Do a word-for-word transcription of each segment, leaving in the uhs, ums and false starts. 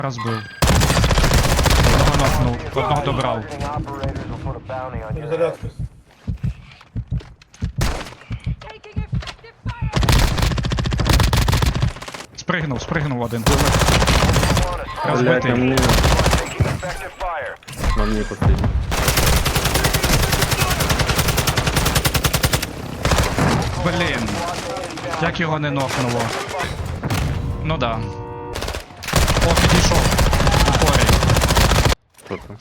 Розбив. Одного нокнув, одного добрав. Перезарядка. Спригнув, спригнув один. Блять, на Розбитий. мне. На мне последний. Блін. Як його не нокнуло? Ну да. О, підійшов. Упорий. Кто там?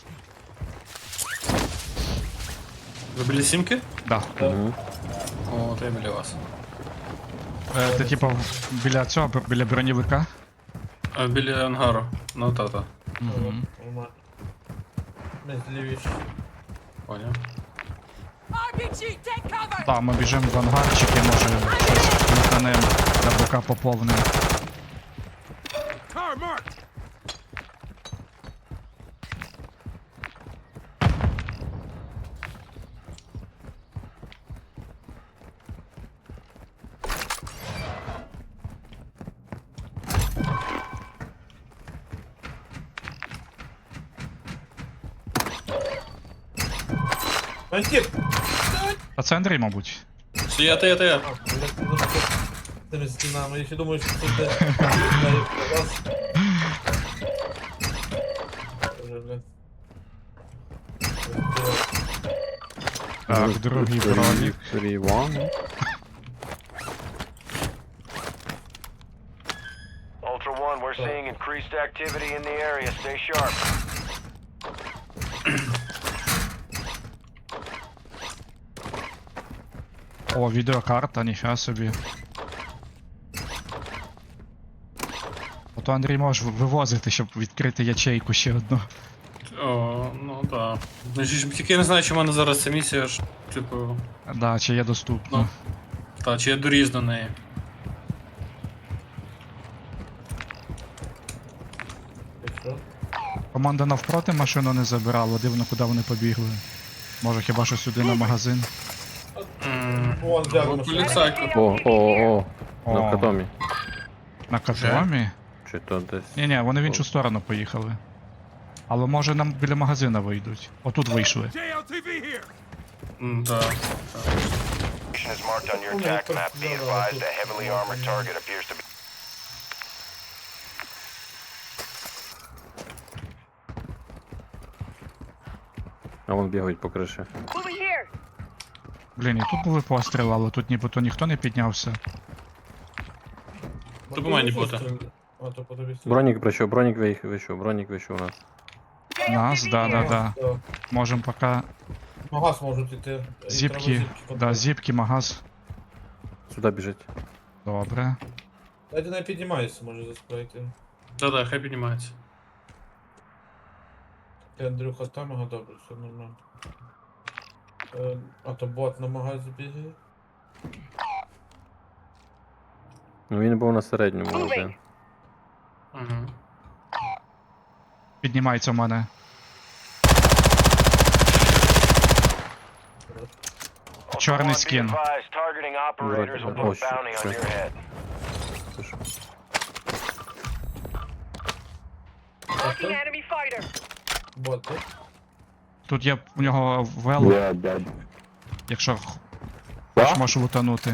Ви біля сімки? Да. Угу. О, то я біля вас. Е, ти типа біля цього, б- біля бронєвика? А, біля ангару. Ну та-та. Угу. Нормально. Ми злівіше. Поняв. Так, ми біжимо в ангарчики, може щось механем для бока поповним. Антип! А це Андрій, мабуть. Це я, то я, то я. А, блядь, ну що з тими стінами, я ще думаю, що це де. Раз. Вже, блядь. Так, другий бронік. три, one. Ultra One, we're seeing increased activity in the area. Stay sharp. О, відеокарта, ніфіга собі. Ото Андрій можеш вивозити, щоб відкрити ячейку ще одну. О, ну да. Ну, ж- тільки я не знаю, чи в мене зараз ця місія ж, типу. Да, чи є доступно. Ну. Та, чи я доріз до неї. Якщо? Команда навпроти машину не забирала, дивно, куди вони побігли. Може хіба що сюди на магазин. Ммм. Вон, дядь, От машина. поліцайка. О, о, о. О. На катомі. На катомі? Чи то десь. Ні-ні, вони в іншу сторону поїхали. Але може нам біля магазина вийдуть. Отут вийшли. М, да. Location is marked on your attack map. Be advised, a heavily armored target appears to be. А вон бігають по криші. Блін, і тут були постріли, але тут нібито ніхто не піднявся. То по мені бота. А, то по тобі. Бронік прийшов, бронік вийшов, вийшов, бронік вийшов у нас. Нас, да-да-да. Так. Можемо поки Магаз можуть іти. І зіпки, треба да, зіпки зіпки, магаз. Сюди біжить. Добре. Дайте не піднімайся, може заспрейти. Да-да, хай піднімається. Ти, Андрюха, там, ага, добре, все нормально. Е, а то бот на магазі бігає. Ну він був на середньому один. Угу. Піднімається в мене. Ultra Чорний One, be скін. advised, targeting operators will put Oh, a shit, bounty on shit. your head. Це що? Бот, так? Тут є у нього вел, якщо х- хочеш, можеш лутанути.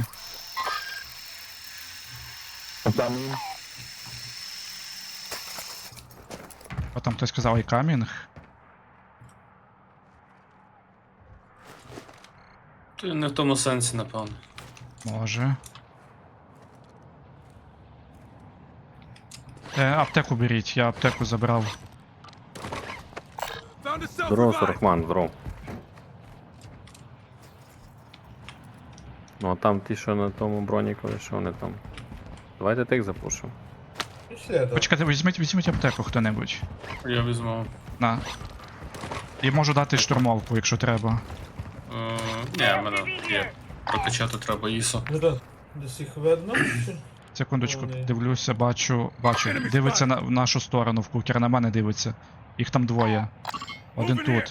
О, там хтось сказав і камінг. То не в тому сенсі, напевно. Може. Е, аптеку беріть, я аптеку забрав. Здорово, Сорохман, здорово. Ну а там ті, що на тому бронікові, що вони там. Давайте тих запушимо. Пішли, так. Почекайте, візьміть, візьміть аптеку хто-небудь. Я візьму. На. І можу дати штурмовку, якщо треба. Е, Ні, в мене є. Прокачати треба ІСО. Ну так, десь їх видно, чи? Секундочку, Вони- дивлюся, бачу, бачу. Дивиться на в нашу сторону, в кукер, на мене дивиться. Їх там двоє. Один тут.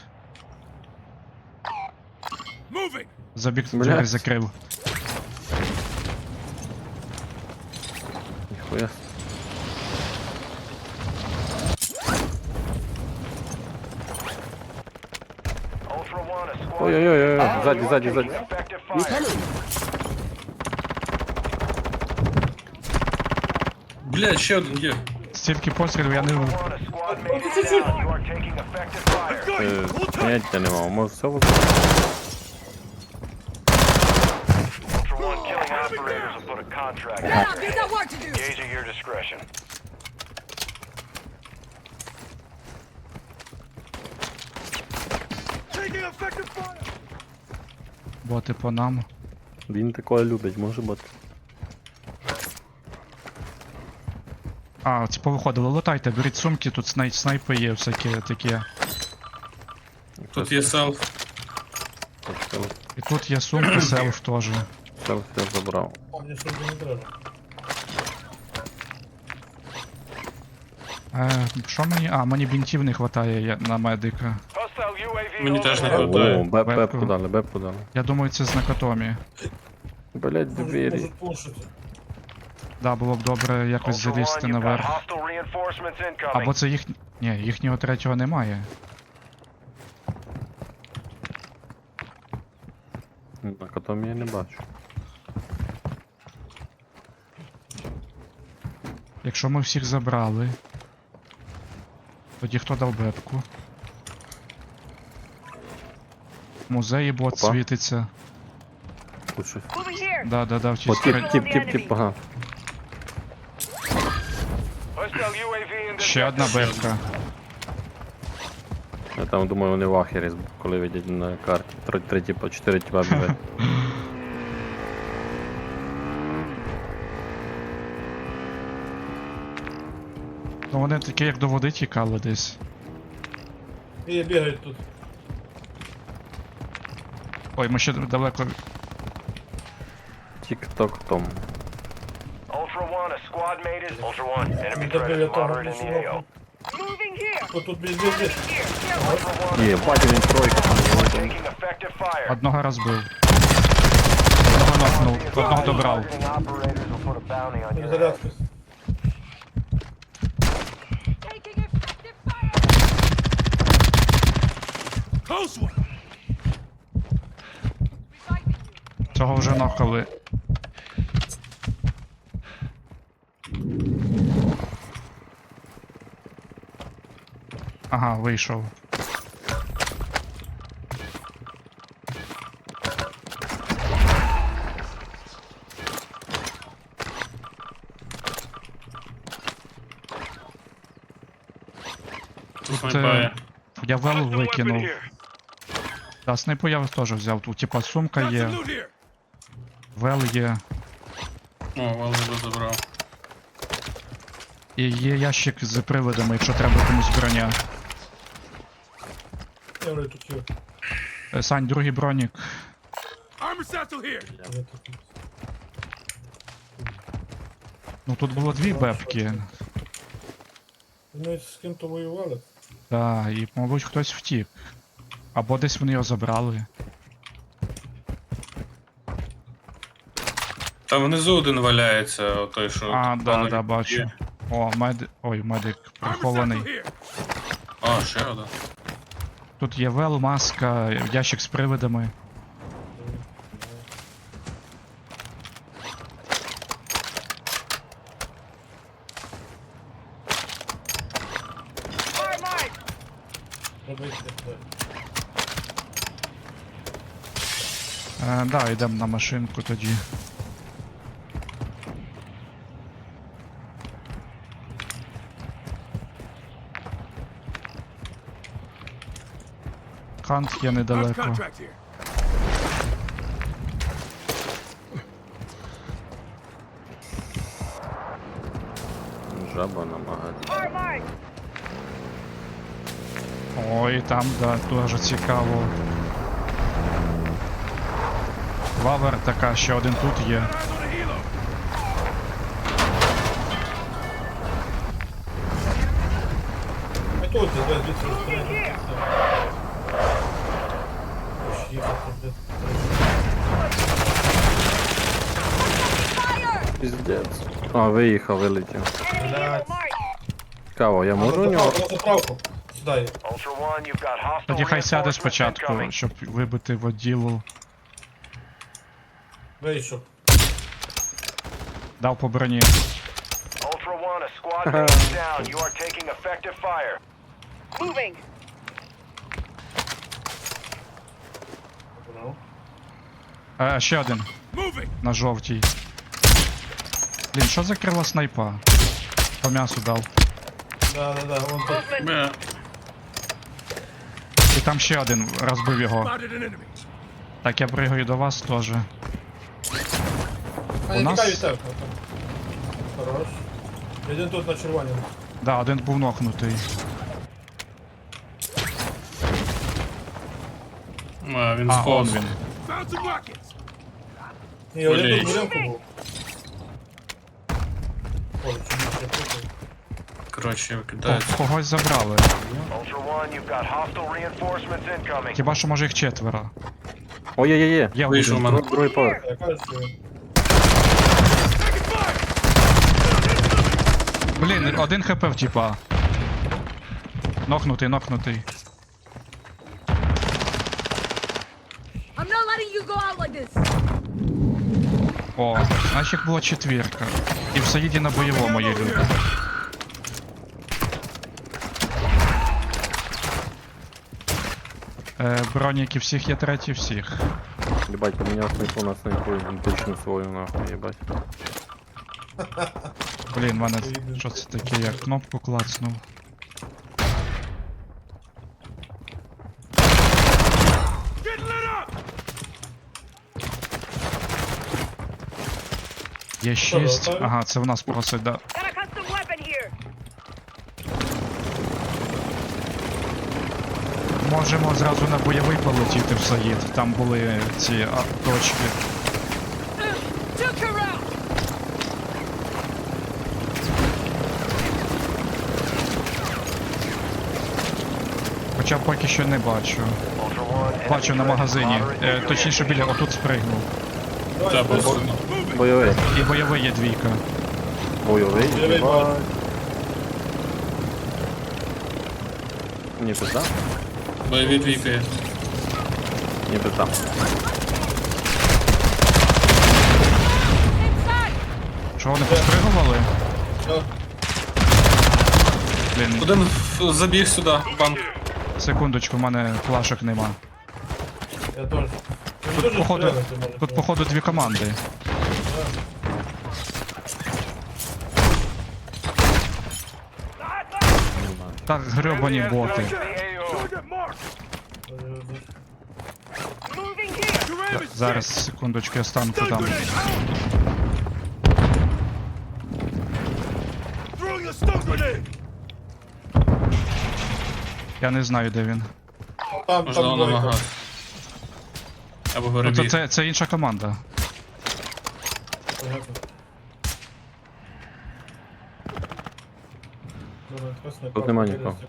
Забіг, Блядь. двері закрив. Ніхуя. Ой-ой-ой, ззаді, ззаді, ззаді. Effective fire. Блядь, ще один є. Стільки пострілів я не... Ultra One, a squad mate is down. You are taking effective fire. Е, Поняття нема, може все Ultra One, killing operators will put a contract in your We've got work to do. Engage at your discretion. Боти по нам. Він такое любить, може бути. А, ці повиходили, лутайте, беріть сумки, тут снай... снайпи є всякі такі. Тут є селф. Селф, І тут є сумки, селф теж. селф я забрав. А мені сумки не треба. Е, що мені? А, мені бінтів не вистачає я- на медика. Hostile ю ей ві Мені теж не overhead. хватає. О, беп, Бепку. бепку дали, бепку дали. Я думаю, це з накатомі. Блять, Можуть, двері. можуть пушити. Да, було б добре якось Ultra One, залізти you've got наверх. hostile reinforcements incoming. Або це їх. Ні, їхнього третього немає. На котомі я не бачу. Якщо ми всіх забрали. Тоді хто дав бепку? В музеї бот Опа. світиться. Тут щось. Да, да, да, в О, тій тіп, стороні. тіп, тіп, тіп, ага. Hostile ю ей ві in the Ще одна sector. бепка. Я там думаю, вони в ахері, коли видять на карті. Три, три тіпа, чотири тіпа бігають. Ну вони такі, як до води тікали десь. І бігають тут. Ой, ми ще далеко. Тік-ток том. Ultra One, a squad mate is Ultra One. Enemy threat Добре, я is того moderate in the ей о. О, тут без без без. Ultra One, Є, бачу, він тройка там. you are є, там. taking effective fire. Одного розбив. Одного нокнув, одного добрав. Targeting operators will put a bounty on your head. Перезарядка. Taking effective fire. Цього вже нокали. Ага, вийшов. Тут Це- снайпає. Я вел викинув. Да, снайпу я теж взяв. Тут типа сумка є. Вел є. О, Валеру забрав. І є ящик з привидами, якщо треба комусь броня. Я говорю, тут є. Е, Сань, другий бронік. Я тут. Ну тут було дві бепки. Вони з ким-то воювали. Так, і, мабуть, хтось втік. Або десь вони його забрали. Там внизу один валяється, той, що. А, тут да, банер да, бачу. є. О, мед... Ой, медик прихований. А, ще один. Тут є вел, маска, ящик з привидами. Робити. Е, да, йдемо на машинку тоді. Хант є недалеко. Жаба на магазин. Ой, там, да, дуже цікаво. Вавер така, ще один тут є. А тут десь звідси розстріляти. Ось їхати, де. Піздець. А, виїхав, вилетів. Блядь. Цікаво, я можу у На нього? заправку, на заправку. Сідай. Ultra One, you've got hostile Тоді хай сяде reinforcements спочатку, incoming. щоб вибити воділу. Вийшов. Дав по броні. Ultra One, a squad mate is down. You are taking effective fire. Moving. Добре. Е, ще один. На жовтій. Блін, що за крила снайпа? По м'ясу дав. Да, да, да, вон тут. Бля. І там ще один, розбив його. Так, я пригаю до вас теж. А, У я нас- тікаю від тебе. Хорош. Один тут на червоному. Да, один був нокнутий. А, він А, он сповз. він. Ні, один Блін. тут в будинку був. Ой, чому я путаю? Коротше, О, викидається. когось забрали. Ultra One, you've got hostile reinforcements incoming. Хіба що може їх четверо. Ой, є, є, є. Є Вийшов один. мене. Друг- Другий поверх. Я кажу, що він. Блін, один хп в тіпа. Нокнутий, нокнутий. I'm not letting you go out like this. О, значить їх була четвірка. І в Саїді на бойовому є люди. Е, броніки всіх є треті всіх. Єбать, поміняв снайпу на снайпу, ідентичну свою, нахуй, єбать. Блін, в мене що це таке, я кнопку клацнув. Є шість. готові? Ага, це в нас просить, да. Got a custom weapon here. Можемо зразу на бойовий полетіти в Саїд. Там були ці а, точки. Took her out. Хоча поки що не бачу. Ultra One, Бачу enemy на threat is магазині. moderate Е, to точніше your біля отут спригнув. Давай, Та, спиш. бо- Бойовий. І бойовий є двійка. Бойовий, Бойовий, єбать. бачу. Ні, пизда. Бойові двійки. Ні, пизда. Inside. Що вони поспригували? Да. Блін, Один в- забіг сюди, в банк. секундочку, в мене плашок нема. Я теж. Він Тут дуже походу, стріляти може. тут походу дві команди. Так, гребані боти. The A O. Moving here. Зараз, секундочку, я стану там. Я не знаю, де він. Там, Можливо, там на двойка. магаз. Або Ну, горобіг. це, це, це інша команда. Понятно. Добре, якраз не Тут так, нема чотири нікого.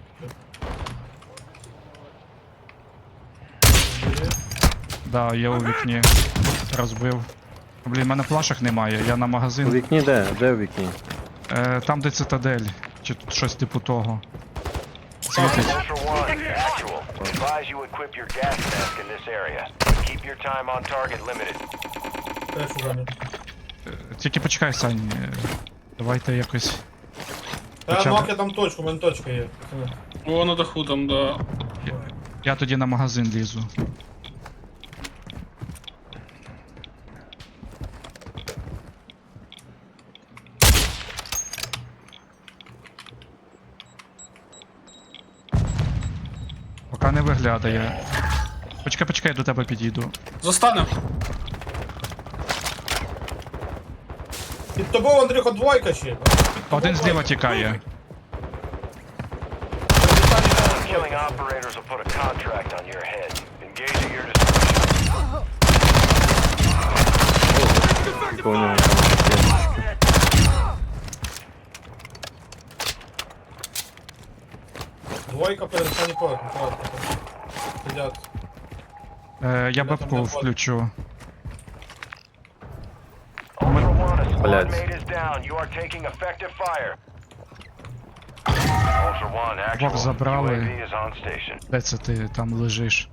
секунди. Да, я у вікні розбив. Блін, в мене плашок немає, я на У магазин. вікні де? Де у вікні? Е, там, де цитадель, чи щось типу того. Світить. Ultra One, actual. Advise you equip your gas mask in this area. Keep your time on target limited. Теж угадаю. Тільки почекай, Сань. е, Давайте якось. Та Хоча б- нок я там точку, у мене точка є. пацани. О, на даху там, да. Я тоді на магазин лізу. Поки не виглядає. Почекай, почекай, до тебе підійду. Застанем. Під тобою, Андрюха, двойка ще. Під тобою Один зліва двойка. тікає. Killing operators will put a contract on your head. Engage at your discretion. Поняв, там є. Двойка перед останній поверх, аккуратно. Сидять. Е, я бабку включу. Ultra One, a squad Блядь. mate is down. You are taking effective fire. Ultra Ultra One, Двох actual. забрали. U A V is on station. Де це ти там лежиш?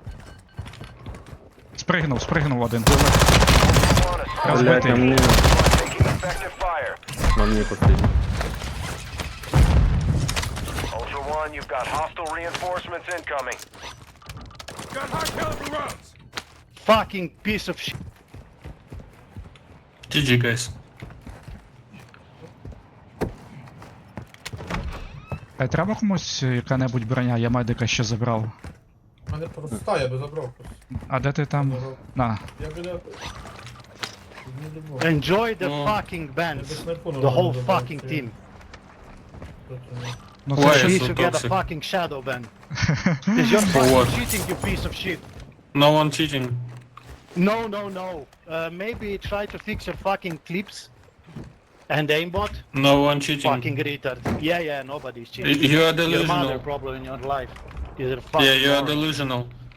Спригнув, спригнув один. Ultra One, a Блядь, Блять, на мені, taking effective fire. на мені потрібно. Ultra One, you've got hostile reinforcements incoming. Fucking piece of shit. джі джі, guys. Е, треба комусь яка-небудь броня, я медика ще забрав. У мене проста, я би забрав просто. А де ти там? На. Я би не... Не любов. Enjoy the Oh. fucking Я bands. би снайпу The нормально whole забрав, fucking це team. тут не- Ну Ой, це You ще... so need to get a toxic. fucking shadow ban. Cause you're For fucking what? cheating, you piece of shit. No one cheating. No, no, no. Uh, maybe try to fix your fucking clips and aimbot. No one cheating. Fucking retard. Yeah, yeah, nobody's Y- cheating. You are Your mother delusional. probably in your life. You're a fucking Yeah, you are moron. delusional.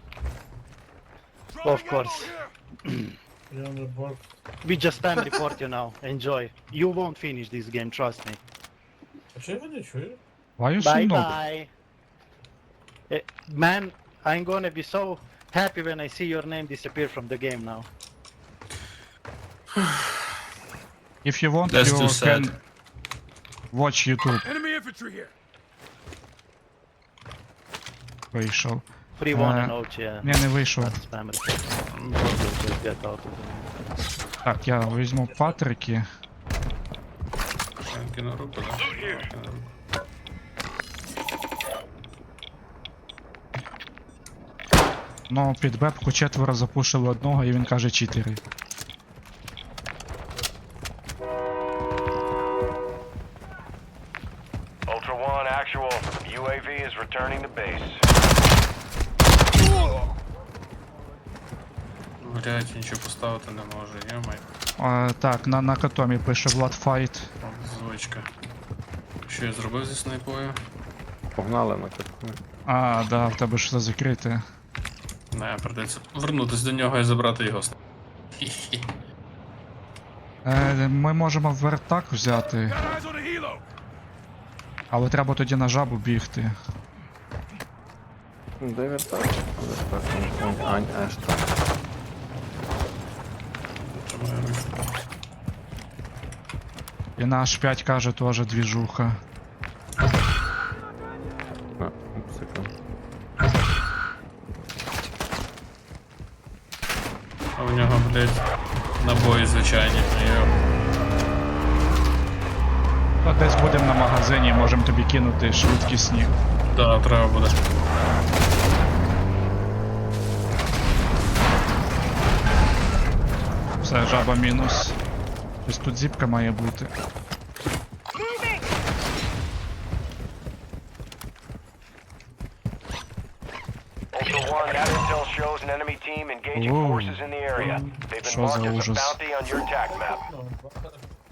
Of course. Я не бачу. We just spam report you now. Enjoy. You won't finish this game, trust me. А чи я його не чую? Why you so Bye noob? bye. Eh, man, I'm gonna be so happy when I see your name disappear from the game now. If you want, That's you too sad. can watch YouTube. Вийшов. Free one Uh, and out, yeah. Ні, не вийшов. That's spam report. Probably just get out of the game. Так, я візьму патрики. Кинь на руку, да? Кинь на руку. Ну, під бепку четверо запушили одного і він каже чотири. Ultra One, actual. U A V is returning to base. Блять, нічого поставити не можу, йомай. А, так, на, на катомі пише Влад Файт. Звичка. Що я зробив зі снайпою? Погнали на катку. А, да, в тебе ж все закрите. Не, придеться вернутись до нього і забрати його снайп. Хі-хі. Е, ми можемо вертак взяти. Але треба тоді на жабу бігти. Ну, де вертак? Вертак, ань, ань, аж так. Чому я вийшов? І на аш п'ять каже теж двіжуха. А, секунд. А у нього, блять, набої звичайні. Йо. Та десь будемо на магазині, можемо тобі кинути швидкісні. Да, треба буде. Все, жаба мінус. Ось тут зіпка має бути. Ultra One, that intel shows an enemy team engaging Whoa. forces in the area. They've been Що за marked as a ужас. bounty on your attack map. Ну, бачите.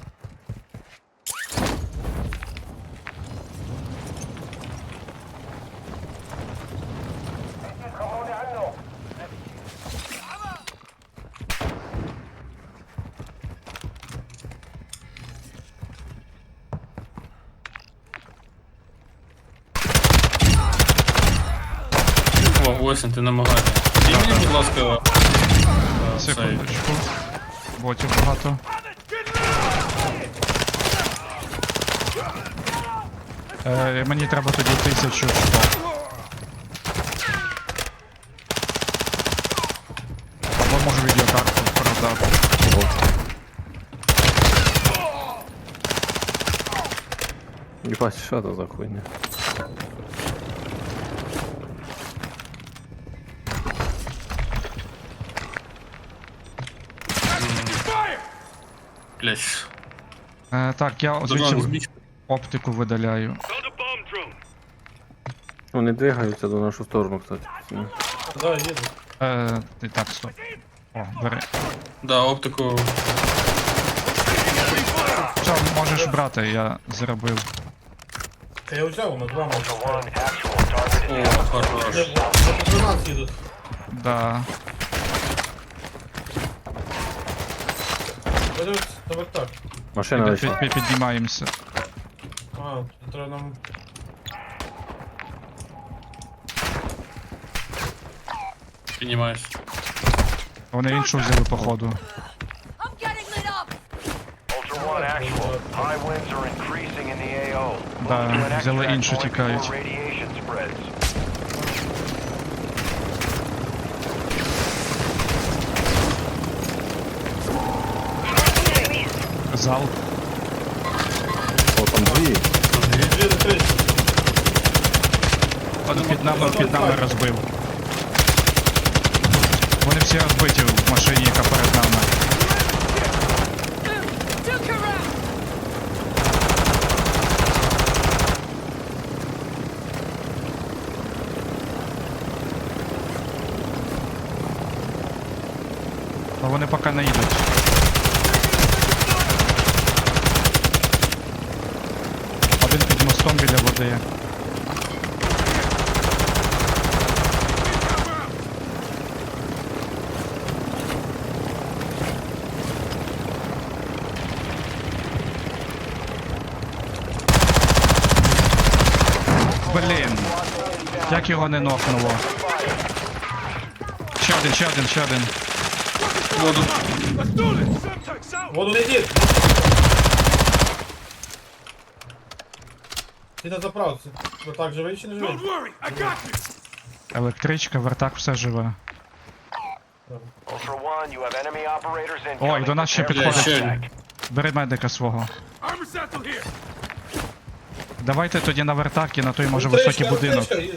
О, Осінь, ти намагайся. І мені, будь ласка, е, цей. Секундочку. Ботів багато. Е, мені треба тоді тисячу сто. Або можу відеокарту продати. Єбать, що це за хуйня? Блять. Е, так, я Дрон звідси збіч. оптику видаляю. Вони двигаються до нашу сторону, кстати. Да, їду. Е, ти так, стоп. О, бери. Да, оптику. Все, можеш брати, я зробив. Та я взяв на два Ultra можу. One, actual. Target is О, down. хорош. Не, по тринадцять їдуть. Да. Беруть на вертак. Машина Під, лише. під, під, піднімаємося. А, тут треба нам... Піднімаюсь. Вони іншу взяли, походу. I'm getting lit up. Ultra One actual. High winds are increasing in the A O. Да, Move to an взяли extract іншу, point тікають. before radiation spreads. Зал. О, там дві. Дві до три. Один під нами, під нами розбив. Вони всі розбиті в машині, яка перед нами. Took her out. А вони поки не їдуть. Один під мостом біля води. Блін, як його не нокнуло. Ще один, ще один, ще один. Воду. Воду не йди. Ти на заправці. Ви так живий чи не живий? Електричка, вертак, все живе. Ultra One, you have enemy operators incoming. Ой, до нас ще Prepare for підходить. ще contact. один. Бери медика свого. Давайте тоді на вертак і на той може високий будинок. Електричка, їде.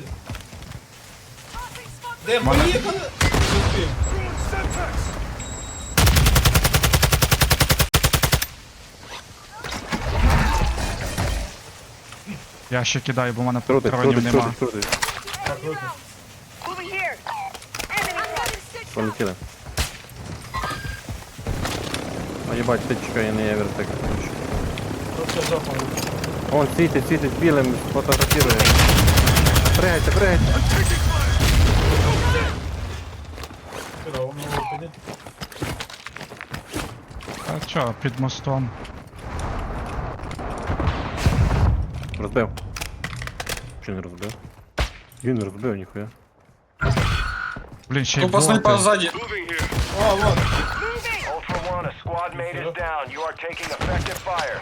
Де, Мене- поїхали? Зустрів. Я ще кидаю, бо в мене Крутить, патронів крутить, нема. крутить, крутить. Так, руки. Moving here. Enemy. I'm getting stitched up. Полетіли. А їбать, ти чекай, не я вертик. Просто жопа. Он світить, світить білим, фотографірує. Пригайте, пригайте. Чудово, ми його підняли. А чо, під мостом. Розбив. Чи не розбив? Він розбив, ніхуя. Блін, ще й Тупо снайпа боти. ззаді. О, вот. Ultra One, a squad mate is down. You are taking effective fire.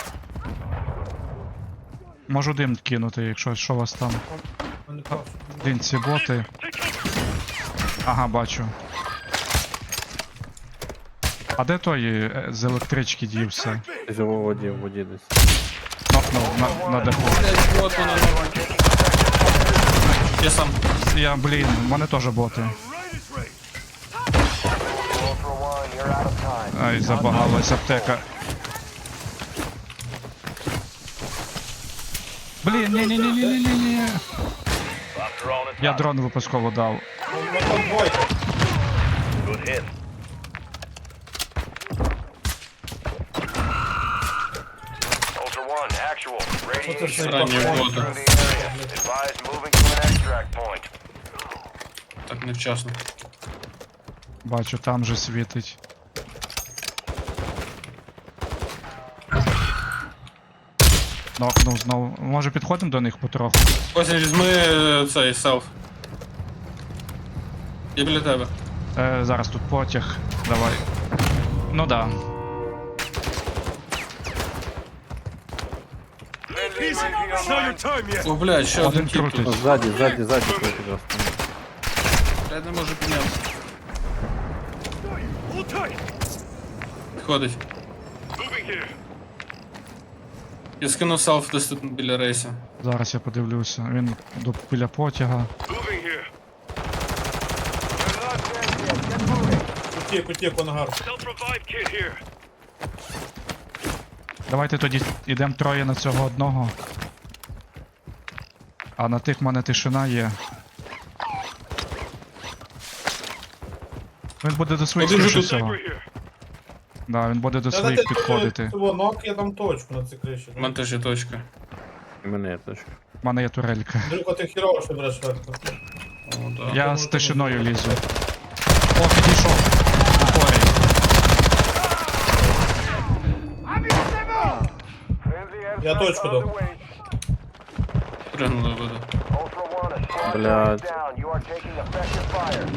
Можу дим кинути, якщо що у вас там. Мене прошу. Блін, ці боти. Ага, бачу. А де той е, з електрички дівся? Десь у воді, в воді десь. Нокнув на, на даху. Блять, вот вона нова. Я сам. Я, блін, в мене теж боти. Ultra One, you're out of time. Ай, забагалась аптека. Блін, ні-ні-ні-ні-ні-ні. Я дрон випусково дав. Ну, там двойка. Ultra One, actual. Radiation What's this is thing called? through the area. Advise moving to an extract point. Так невчасно. Бачу, там же світить. Нокнув знову. Може підходимо до них потроху? Ось візьми е, цей селф. Я біля тебе. Е, зараз тут потяг. Давай. Ну да. О, блядь, ще Один один тіп крутить. О, тут. ззаді, ззаді, ззаді крутить раз. Я не можу піднятися. Підходить. Я скинув селф десь тут біля рейса. Зараз я подивлюся. Він до біля потяга. Утік, утік, Онгар. Давайте тоді йдемо троє на цього одного. А на тих в мене тишина є. Він буде до своїх Один же скоріше тут. всього. Да, він буде до Та своїх дайте підходити. цього нок, я там точку на цій криші. У мене теж є точка. І мене є точка. У мене є турелька. Андрюха, ти хірово, що береш верху. О, да. Я з тишиною лізу. О, підійшов. Упорі. Я точку дав. Пригнули воду. Ultra One, a squad Блядь. mate is down. You are are taking effective fire.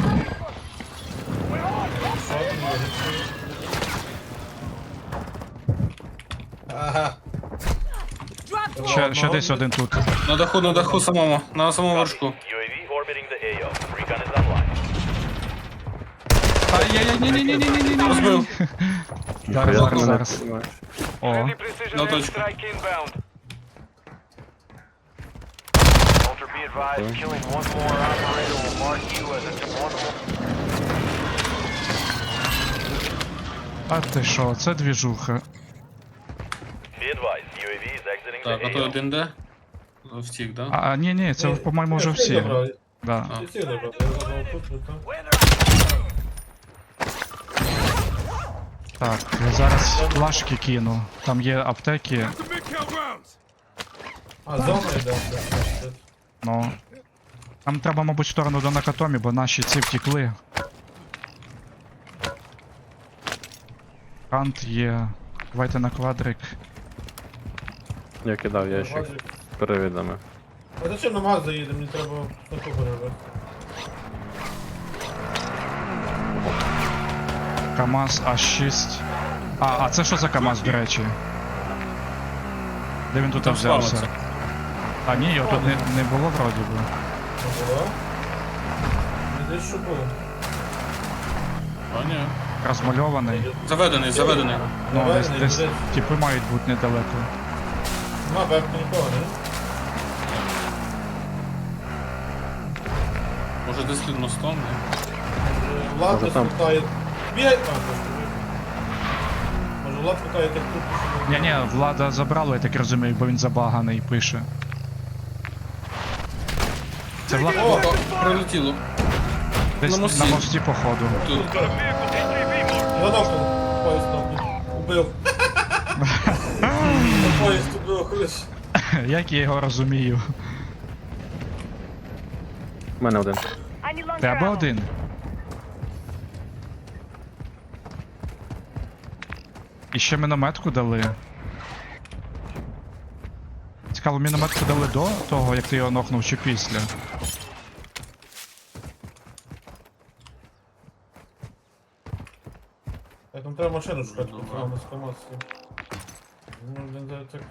Що там лежить? Ага. Drop Ще, ще десь один тут. На даху, на даху самому, на самому вершку. U A V orbiting the A O. Recon is online. Ай-яй-яй-ні-ні-ні-ні-ні-ні. Розбив. Зараз, Як зараз, мене зараз. піднімаєш? О, Friendly precision На airstrike точку. inbound. Ultra be advised, killing one more operator will mark you as a deployable. а ти що, це двіжуха. Be advised, U A V is exiting Так, а the той A O. один де? Втік, да? А, ні, ні, це, по-моєму, вже всі. Да. А. Всі забрали. Я забрав тут, тут, там. Так, я зараз флашки кину. Там є аптеки, А, зона йде. ну. Нам треба, мабуть, в сторону до Накатомі, бо наші ці втекли. Кант є. Давайте на квадрик. Я кидав ящик з перевідами. А зачем на маз заїдемо? Мені треба таку перевести. КамАЗ А шість. А, а це що за КамАЗ, до речі? Де він тут Там взявся? славиться. А ні, його тут не, не було вроді би. Не було? Не десь що було. А, ні. Розмальований. Заведений, заведений. Ну, десь, Наведений, десь десь. типи мають бути недалеко. Нема вебки нікого, не? Може десь під мостом, ні? Влад Може, десь там. лутає. Бігай! А, просто вибіг. Може Влад лутає так тут. щоб- Ні, ні, влада забрала, я так розумію, бо він забаганий пише. Це влада О, о, прилетіло. десь на на мості. мості, походу. Тут. Я нокнув. Поїзд нокнув. Убив. На поїзд убив, ходиш. Як я його розумію. У мене один. Треба один. І ще мінометку дали. Цікаво, мінометку дали до того, як ти його нокнув, чи після? Так, нам треба машину шукати, там з КамАЗ. Ну, блін, це так.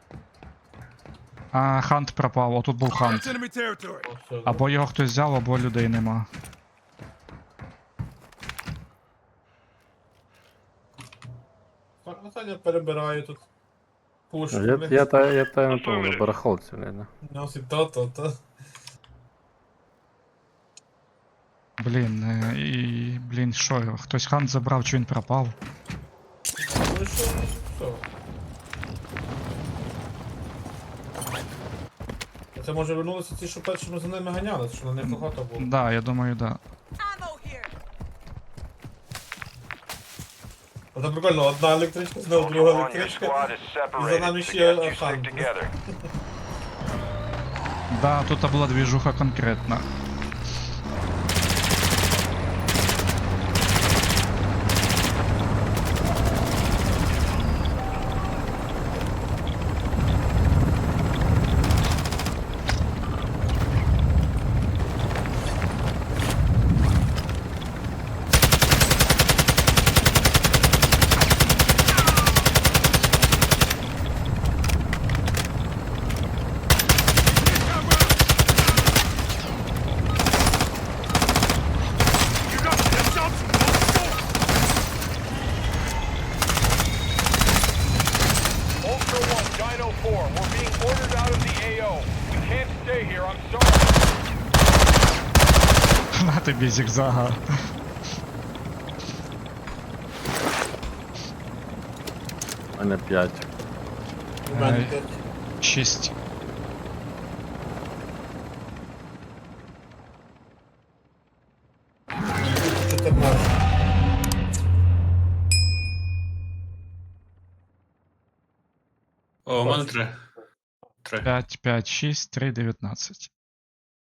А, хант пропав, отут був хант. О, все, Або його хтось взяв, або людей нема. Так, ну Саня перебирає тут. Пуш. Я, я, та, я та на тому, на барахолці, блядь. Носить то, то, то. Блін, е, і. Блін, що його? Хтось хант забрав, чи він пропав? Ну і що? Все. А це може вернулися ті, що першими за ними ганялись, що на них багато було. Да, я думаю, да. ammo here. А це прикольно, одна електричка, знову Ultra друга One, your електричка. squad is за separated. нами Suggest ще you stick хан. together. Да, тут була двіжуха конкретна. Ultra One, Dino Four, we're being ordered out of the A O. We can't stay here. I'm sorry. На тобі зігзага. У мене п'ять. У мене Ай. п'ять. Шість. чотирнадцять. О, у мене три. Три. п'ять, п'ять, шість, три, дев'ятнадцять.